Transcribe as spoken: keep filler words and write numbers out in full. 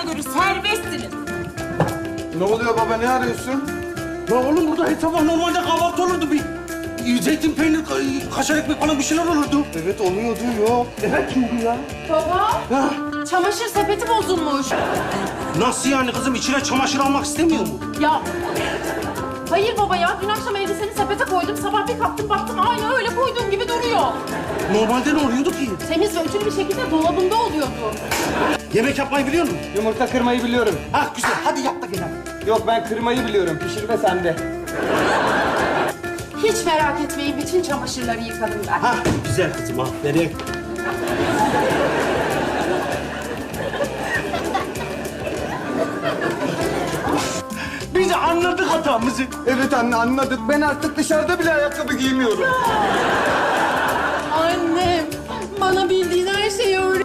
göre serbestsiniz. Ne oluyor baba, ne arıyorsun? Ya oğlum burada her sabah normalde kahvaltı olurdu bir. Zeytin, peynir, ka- kaşar ekmek falan bir şeyler olurdu. Evet oluyordu, yok. Evet çünkü ya. Baba, Ha? çamaşır sepeti bozulmuş. Nasıl yani kızım? İçine çamaşır almak istemiyor mu? Ya, hayır baba ya. Dün akşam elbiseni sepete koydum. Sabah bir kalktım baktım aynı öyle koyduğum gibi duruyor. Normalde ne oluyordu ki? Temiz ve ütülü bir şekilde dolabında oluyordu. Yemek yapmayı biliyor musun? Yumurta kırmayı biliyorum. Ha güzel. Hadi yap da gel hadi. Yok, ben kırmayı biliyorum. Pişirme sende. Hiç merak etmeyin. Bütün çamaşırları yıkadım ben. Ha güzel kızım aferin. Biz anladık hatamızı. Evet anne, anladık. Ben artık dışarıda bile ayakkabı giymiyorum. Annem, bana bildiğin her şeyi öğret.